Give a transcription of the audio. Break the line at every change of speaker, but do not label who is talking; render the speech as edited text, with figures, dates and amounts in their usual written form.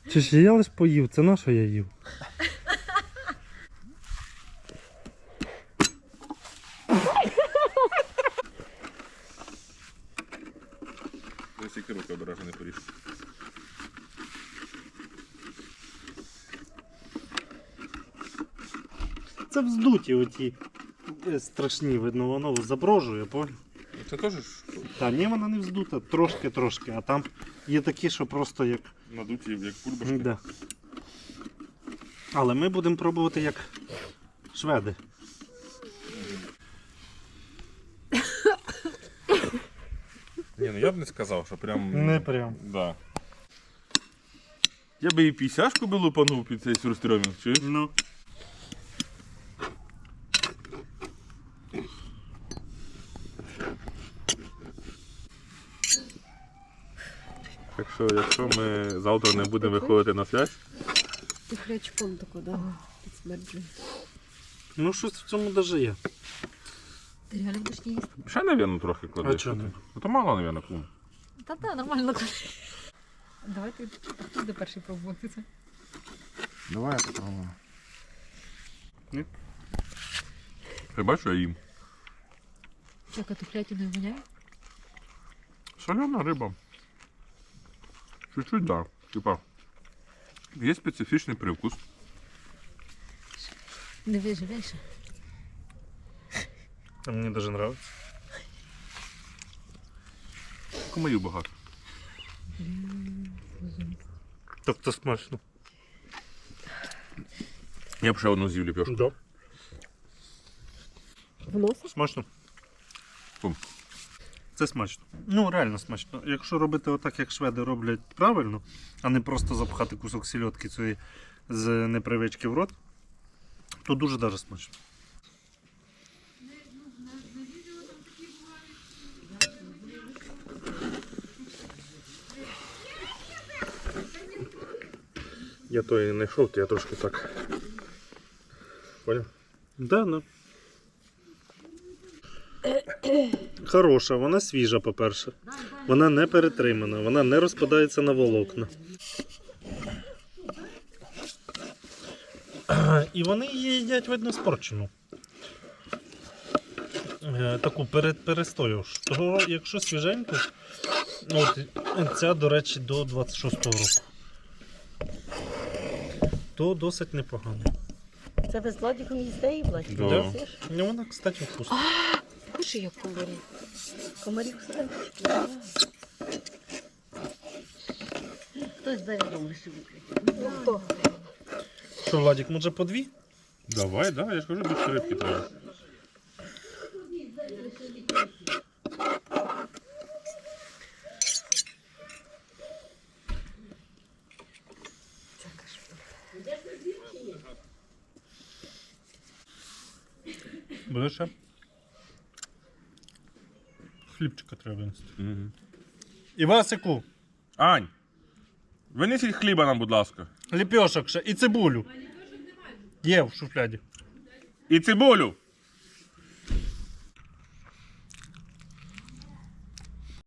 Чи ж я лиш поїв, це на що я їв?
Ось тільки руки обережно не поріж.
Це вздуті оті страшні, видно, воно заброжує, понял?
Це теж
Та ні, вона не вздута, трошки, а там є такі, що просто як...
надуті, як бульбашки.
Да. Але ми будемо пробувати як шведи.
Ні, ну я б не сказав, що прям...
Не прям.
Да. Я би і пісяшку би лупанув під цей сюрстрьомінг, чуєш?
Ну.
Так що, якщо ми завтра не будемо виходити на связь,
Ти хрячком тако, да? Підсмерджує.
Ну щось в цьому даже є.
Ти реально будеш не їсти?
ще, навірно, трохи клади.
А чого не?
Ну то мало, навірно, кум.
Та нормально. Давай ти, хто буде перший пробувати це?
Давай я попробую. Ні? Ти бачиш, я їм.
Як тухлятиною воняє?
Солена риба. Чуть-чуть, да. Типа, є специфічний привкус.
Не виживеш.
А мені даже нравится.
Комарів багато.
Тобто смачно.
Я б ще одну з'їв ліпешку.
Да.
Вносиш?
Смачно.
Кум.
Це смачно. Ну, реально смачно. Якщо робити отак, як шведи роблять правильно, а не просто запхати кусок сільотки цієї з непривички в рот, то дуже даже смачно.
Я то і не йшов, то я трошки так. Поняв?
Да, ну. Хороша, вона свіжа, по-перше. Вона не перетримана, вона не розпадається на волокна. І вони її їдять, видно, спорчену. Таку перестоявши. Того, якщо свіженьку, от ця, до речі, до 26-го року, то досить непогано.
Це ви з Владиком їсте і Владик?
Да.
Їсиш?
Ну, вона, кстати, вкусна.
Кушай, як комарів. Комарів все. Хтось додому собі. Хто?
Що, Владик, може по дві?
Давай, да, я ж кажу, більше рибки треба.
Буде ще? Хлібчика треба винести.
Угу.
Івасику,
Ань, винесіть хліба нам, будь ласка.
ліпьошок ще і цибулю. Є в шуфляді.
І цибулю.